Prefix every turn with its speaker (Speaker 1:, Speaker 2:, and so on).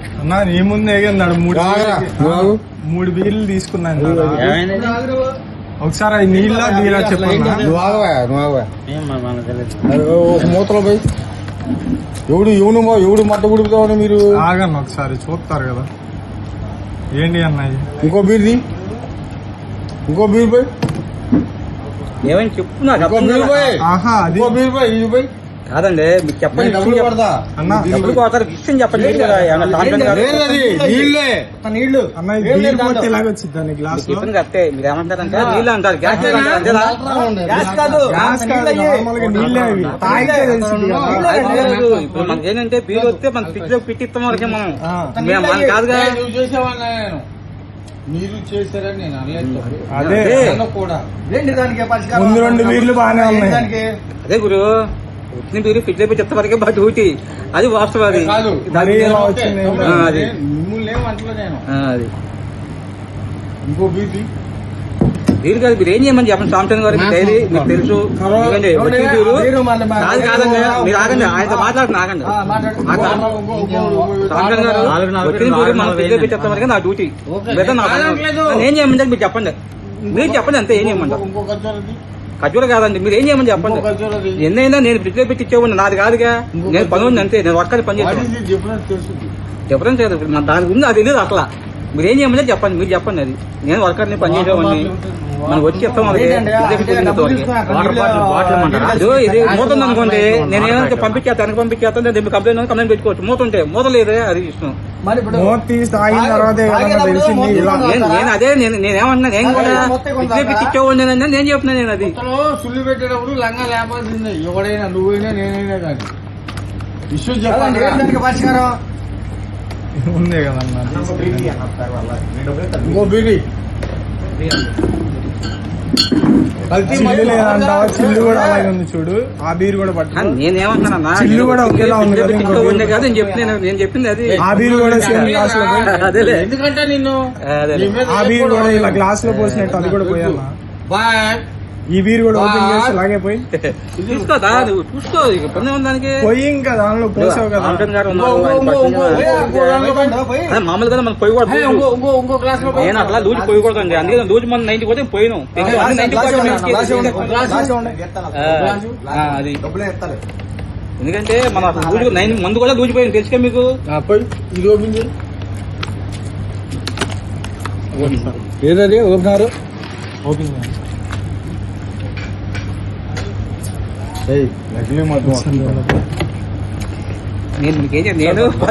Speaker 1: అన్నా నీ ముందు ఏగన్నాడు మూడు బీర్లు తీసుకున్నాను. ఒకసారి అది నీళ్ళ బీరా చెప్పన్నా.
Speaker 2: ఒక మూతలో పోయి ఎవడు మట్ట ఉడుకుతామని మీరు
Speaker 1: ఆగన్న ఒకసారి చూస్తారు కదా. ఏంటి అన్నది?
Speaker 2: ఇంకో బీర్ది ఇంకో బీర్ పోయి
Speaker 3: ఏమైనా చెప్పు నాకు
Speaker 2: ఇంకో బీర్ పోయి
Speaker 1: ఆహా అది
Speaker 2: ఇంకో బీర్ పోయి ఇది పోయి
Speaker 3: కాదండి మీకు చెప్పండి.
Speaker 2: డబ్బులు పడతా
Speaker 1: అన్నా
Speaker 3: డబ్బులు పోతారు విషయం చెప్పండి.
Speaker 2: నీళ్ళే
Speaker 1: నీళ్లు అన్న బీర్ పోతే ఎలాగొచ్చింది దాని గ్లాస్
Speaker 3: చెప్పింది కరెక్టే. మీరు ఏమంటారంటే నీళ్ళు అంటారు, గ్యాస్ కాదు.
Speaker 1: గ్లాస్ కాదు నార్మల్ గా నీళ్ళే అవి తాగితే తెలిసింది కదా.
Speaker 3: ఇప్పుడు మనకి ఏంటంటే బీరు వస్తే మన ఫ్రిడ్జ్ లో పెట్టిస్తాం వరకే మనం మన కాదుగా.
Speaker 2: నువ్వు చేసేవాళ్ళ మీరు చేశారని నేను అనలేదు.
Speaker 1: అదే
Speaker 2: కూడా
Speaker 1: ముందు రెండు బీర్లు బాగానే ఉన్నాయి.
Speaker 3: అదే గురు వచ్చిన బీరు ఫ్రిడ్జ్ లో పెట్టిస్తా వరకే బాగా డ్యూటీ. అది వాస్తవం. అది
Speaker 2: కాదు
Speaker 1: మరి ఎలా వచ్చింది?
Speaker 3: అది
Speaker 2: మిమ్మల్ని ఏమంటలే నేను.
Speaker 3: అది
Speaker 2: ఇంకో బీర్ది
Speaker 3: బీరు కాదు. మీరు ఏం చేయమని చెప్పండి సాంసంగ్ గారికి డైరీ మీకు తెలుసు. ఎందుకంటే వచ్చిన బీరు కాదు కాదండి. మీరు ఆగండి, ఆయనతో మాట్లాడుతున్నా ఆగండి. సాంసంగ్ గారు వచ్చిన బీరు మనం ఫ్రిడ్జ్ లో పెట్టేస్తా వరకే నా డ్యూటీ. లేదా నా ఏం చేయమంటారు మీరు చెప్పండి. మీరు చెప్పండి అంతే. ఏం చేయమంటారు?
Speaker 2: ఇంకో ఖర్చు
Speaker 3: ఖర్జూర కాదండి. మీరు ఏం చేయమని చెప్పండి. ఎన్నైనా నేను ఫ్రిడ్జ్ లో పెట్టి ఇచ్చేవాడిని, నాది కాదుగా. నేను పని ఉంది అంతే. నేను వర్క్ పని చేస్తాను. డిఫరెన్స్ లేదు. దాని గురించి అది తెలియదు అసలు. మీరు ఏం చేయమని చెప్పండి. మీరు చెప్పండి. అది నేను వర్కర్ని పని చేసేవాడిని. మనం వచ్చి చెప్తాం. ఇది మూత ఉంది అనుకోండి, నేను ఏమైనా పంపించేస్తాను వెనక పంపించేస్తాను. నేను కంప్లైంట్ పెట్టుకోవచ్చు. మూత ఉంటే మూత లేదే, అది ఇష్టం. నేను అదే నేనేమన్నా నేను కూడా ఇచ్చేవాడిని నేను చెప్తున్నా. నేను అది
Speaker 2: సుల్లి పెట్టేటప్పుడు లంగా లేపాల్సిందే. ఎవడైనా నువ్వైనా నేనైనా కానీ ఇష్యూ చెప్పండి. పరిష్కారం
Speaker 1: ఉందే కదన్నా.
Speaker 2: ఇంకో బీడి
Speaker 1: చిల్లు లేదంటావా? చిల్లు కూడా అలాగే ఉంది చూడు. ఆ బీర్ కూడా పట్టు.
Speaker 3: నేనేమంటున్నా,
Speaker 1: చిల్లు కూడా ఒకేలా ఉంది కదా.
Speaker 3: నేను చెప్పింది అది.
Speaker 1: ఆ బీర్ కూడా సేమ్ గ్లాస్ లో
Speaker 3: అదేలే.
Speaker 2: ఎందుకంటే నిన్ను
Speaker 1: ఆ బీర్ కూడా ఇలా గ్లాస్ లో పోసినట్టు అది కూడా పోయాలా? ఈ బీర్ కూడా ఓపెన్ చేసి అలాగే పోయి
Speaker 3: చూసుకోదా నువ్వు చూసుకో. ఇబ్బంది ఉంది దానికి.
Speaker 1: పోయి ఇంకా దానిలో పోసావు కదా.
Speaker 3: మామూలుగా మనం పోయి కూడా నేను అట్లా లూజు పోయకూడదండి. అందుకే లూజు మనం 90 పోతే పోయినాం. అది ఎందుకంటే మన లూజు 9 మందు కూడా లూజు పోయింది తెలుసుగా మీకు.
Speaker 2: ఇది ఓపెన్ ఏదది ఓపెనారు
Speaker 1: ఓపెన్
Speaker 2: నకిలీ మొత్తం
Speaker 3: నేను